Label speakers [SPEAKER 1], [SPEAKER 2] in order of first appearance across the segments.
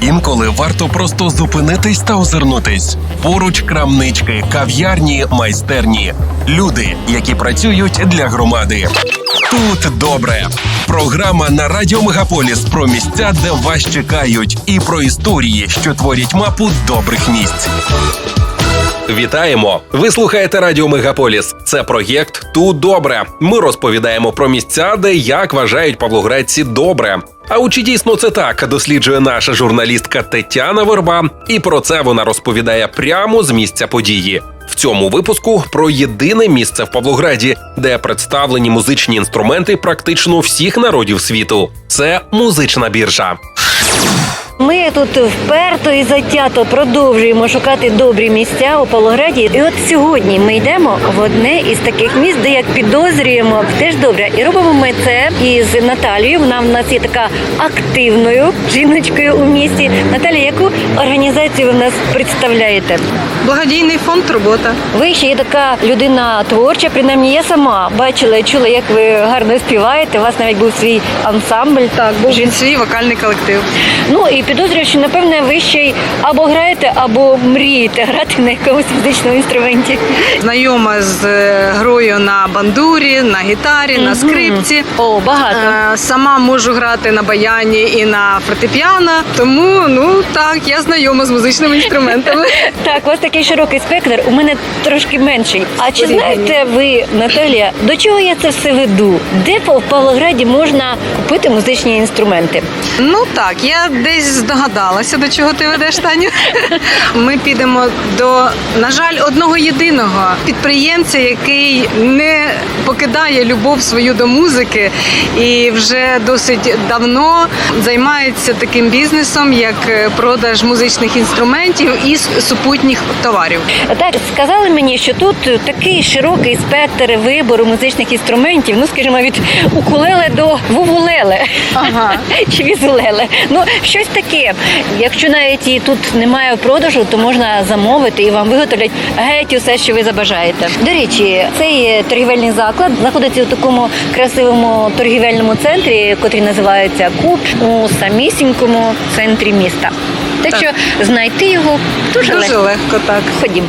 [SPEAKER 1] Інколи варто просто зупинитись та озирнутись. Поруч крамнички, кав'ярні, майстерні. Люди, які працюють для громади. Тут добре. Програма на Радіо Мегаполіс про місця, де вас чекають, і про історії, що творять мапу добрих місць. Вітаємо! Ви слухаєте Радіо Мегаполіс. Це проєкт «Тут добре». Ми розповідаємо про місця, де, як вважають павлоградці, добре. А у чи дійсно це так, досліджує наша журналістка Тетяна Верба. І про це вона розповідає прямо з місця події. В цьому випуску про єдине місце в Павлограді, де представлені музичні інструменти практично всіх народів світу. Це музична біржа.
[SPEAKER 2] Ми тут вперто і затято продовжуємо шукати добрі місця у Павлограді. І от сьогодні ми йдемо в одне із таких місць, де, як підозрюємо, теж добре. І робимо ми це із Наталією. Вона в нас є така активною жіночкою у місті. Наталія, яку організацію ви в нас представляєте?
[SPEAKER 3] Благодійний фонд «Турбота».
[SPEAKER 2] Ви ще є така людина творча, принаймні я сама бачила і чула, як ви гарно співаєте. У вас навіть був свій ансамбль.
[SPEAKER 3] Так, був свій вокальний колектив.
[SPEAKER 2] Ну і підозрюю, що, напевне, ви ще й або граєте, або мрієте грати на якомусь музичному інструменті.
[SPEAKER 3] Знайома з грою на бандурі, на гітарі, на скрипці.
[SPEAKER 2] О, багато.
[SPEAKER 3] Сама можу грати на баяні і на фортепіано. Тому, так, я знайома з музичними інструментами.
[SPEAKER 2] Так, у вас такий широкий спектр, у мене трошки менший. А чи знаєте ви, Наталія, до чого я це все веду? Де в Павлограді можна купити музичні інструменти?
[SPEAKER 3] Так, я десь здогадалася, до чого ти ведеш, Таню. Ми підемо до, на жаль, одного єдиного підприємця, який не покидає любов свою до музики і вже досить давно займається таким бізнесом, як продаж музичних інструментів і супутніх товарів.
[SPEAKER 2] Так, сказали мені, що тут такий широкий спектр вибору музичних інструментів, скажімо, від укулеле до вувулеле.
[SPEAKER 3] Ага.
[SPEAKER 2] Чи візулеле. Щось таке. Якщо навіть і тут немає в продажу, то можна замовити і вам виготовлять геть усе, що ви забажаєте. До речі, цей торгівельний заклад знаходиться у такому красивому торгівельному центрі, котрий називається Куб, у самісінькому центрі міста. Так що знайти його дуже
[SPEAKER 3] легко, так.
[SPEAKER 2] Ходім.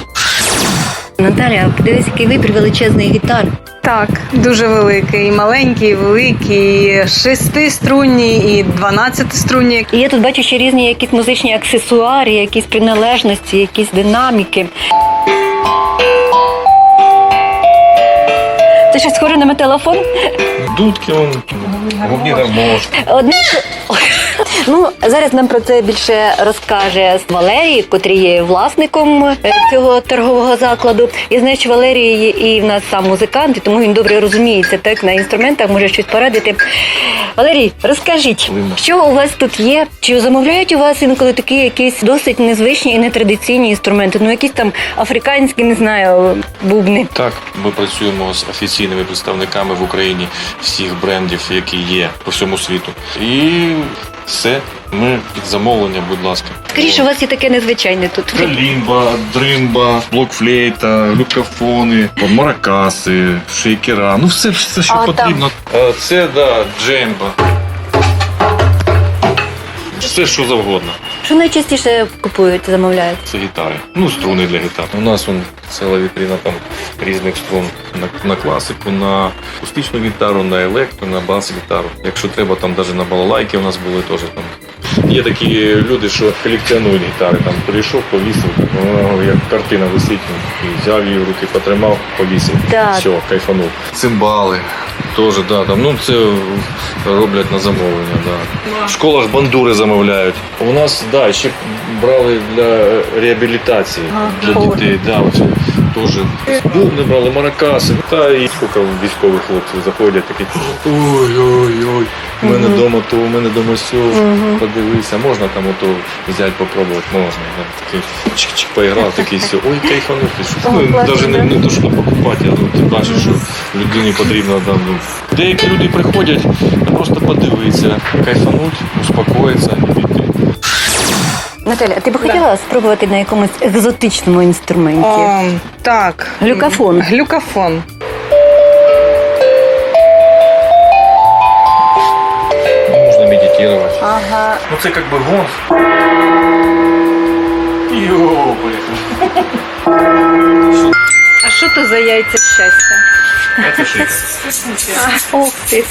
[SPEAKER 2] Наталя, подивись, який вибір величезний гітар.
[SPEAKER 3] Так, дуже великий, і маленький, і великий, і 6-струнні, і 12-струнні.
[SPEAKER 2] І я тут бачу ще різні якісь музичні аксесуари, якісь приналежності, якісь динаміки. Це щось схоже на металофон?
[SPEAKER 4] Дудки, губні гармошки.
[SPEAKER 2] Зараз нам про це більше розкаже Валерій, котрий є власником цього торгового закладу. Я знаю, що Валерій є і в нас сам музикант, і тому він добре розуміється так на інструментах, може щось порадити. Валерій, розкажіть, що у вас тут є? Чи замовляють у вас інколи такі якісь досить незвичні і нетрадиційні інструменти? Якісь там африканські, не знаю, бубни?
[SPEAKER 4] Так, ми працюємо з офіційними представниками в Україні всіх брендів, які є по всьому світу. І все, ми під замовлення, будь ласка.
[SPEAKER 2] Скоріше, у вас є таке незвичайне тут.
[SPEAKER 4] Калімба, дримба, блокфлейта, люкафони, маракаси, шейкера, все, що потрібно. Це, джемба. Все, що завгодно.
[SPEAKER 2] Що найчастіше купують, замовляють?
[SPEAKER 4] Це гітари. Струни для гітар. У нас ціла вітрина там різних струн на класику, на акустичну гітару, на електро, на бас-гітару. Якщо треба, там навіть на балалайки у нас були теж там. Є такі люди, що колекціонують гітари. Там прийшов, повісив, як картина висить, і взяв її в руки, потримав, повісив.
[SPEAKER 2] Так.
[SPEAKER 4] Все, кайфанув. Цимбали. Теж, це роблять на замовлення, В школах бандури замовляють. У нас, ще брали для реабілітації, для дітей, теж. Бубни брали, маракаси. І скільки військових хлопців заходять, такі, ой-ой-ой, у мене вдома то, у мене вдома сьо, подивися, можна там взяти, попробувати, можна. Такий чик-чик поіграв, такий сьо, ой, кайфанути. Навіть не то, що покупати, а ти бачиш, що людині потрібно там. Деякі люди приходять просто подивитися, кайфануть, успокоїтися і піти.
[SPEAKER 2] Наталя, а ти б хотіла спробувати на якомусь екзотичному інструменті?
[SPEAKER 3] Так.
[SPEAKER 2] Глюкафон.
[SPEAKER 3] Глюкафон.
[SPEAKER 4] Можна ремонтировать.
[SPEAKER 3] Ага.
[SPEAKER 4] Ну це як би гонг. Йо, поїхали.
[SPEAKER 3] А що то за яйця щастя?
[SPEAKER 4] Це шийка.
[SPEAKER 2] Ох ти.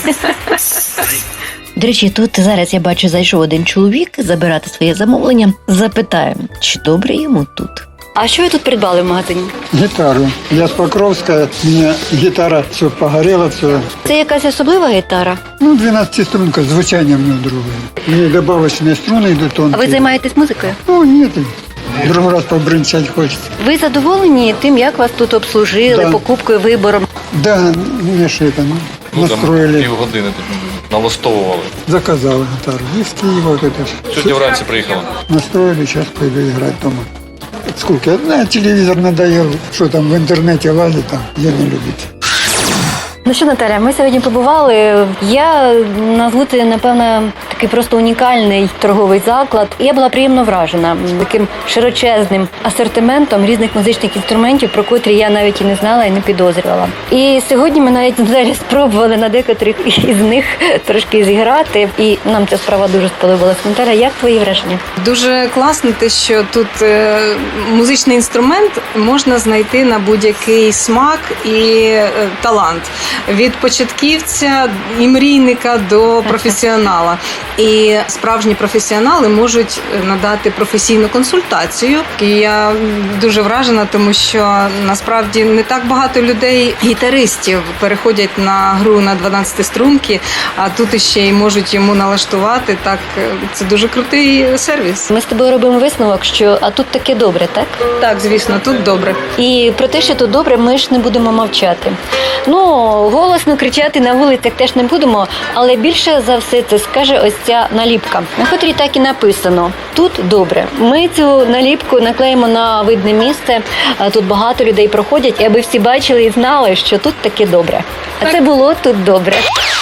[SPEAKER 2] До речі, тут зараз я бачу, зайшов один чоловік забирати своє замовлення. Запитаю, чи добре йому тут? А що ви тут придбали в магазині?
[SPEAKER 5] Гитару. Я с Покровска, у меня гитара все погорела, все.
[SPEAKER 2] Це якась особлива гітара.
[SPEAKER 5] Ну, 12-струнка, звучание у нее другое. У нее добавочные струны идут
[SPEAKER 2] А
[SPEAKER 5] тонкие.
[SPEAKER 2] ви займаєтесь музикою?
[SPEAKER 5] Ну, нет, другой раз побрынчать хочется.
[SPEAKER 2] Ви задоволені тим, як вас тут обслужили,
[SPEAKER 5] Да.
[SPEAKER 2] покупкою, вибором?
[SPEAKER 5] Да, мне же это,
[SPEAKER 4] Ну, там
[SPEAKER 5] настроили,
[SPEAKER 4] півгодини тут налаштовували.
[SPEAKER 5] заказал гитару. Из Киева вот это.
[SPEAKER 4] Сьогодні вранці приїхала.
[SPEAKER 5] Настроили, сейчас пойду играть дома. Сколько? Телевизор надоел, что там в интернете лазит, там, я не любит.
[SPEAKER 2] Ну що, Наталя, ми сьогодні побували. Я назву це, напевно, такий просто унікальний торговий заклад. І я була приємно вражена таким широчезним асортиментом різних музичних інструментів, про котрі я навіть і не знала і не підозрювала. І сьогодні ми навіть взагалі спробували на декотрих із них трошки зіграти. І нам ця справа дуже сподобалась. Наталя, як твої враження?
[SPEAKER 3] Дуже класно те, що тут музичний інструмент можна знайти на будь-який смак і талант. Від початківця і мрійника до професіонала. І справжні професіонали можуть надати професійну консультацію. І я дуже вражена, тому що насправді не так багато людей, гітаристів, переходять на гру на 12 струнки, а тут іще й можуть йому налаштувати. Так, це дуже крутий сервіс.
[SPEAKER 2] Ми з тобою робимо висновок, що а тут таке добре, так?
[SPEAKER 3] Так, звісно, тут добре.
[SPEAKER 2] І про те, що тут добре, ми ж не будемо мовчати. Ну, голосно кричати на вулицях теж не будемо, але більше за все це скаже ось ця наліпка, на котрій так і написано «Тут добре». Ми цю наліпку наклеїмо на видне місце, тут багато людей проходять, і аби всі бачили і знали, що тут таке добре. А це було «Тут добре».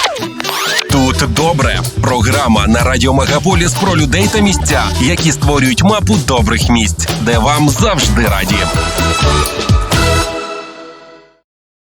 [SPEAKER 1] Тут добре. Програма на Радіо Мегаполіс про людей та місця, які створюють мапу добрих місць, де вам завжди раді.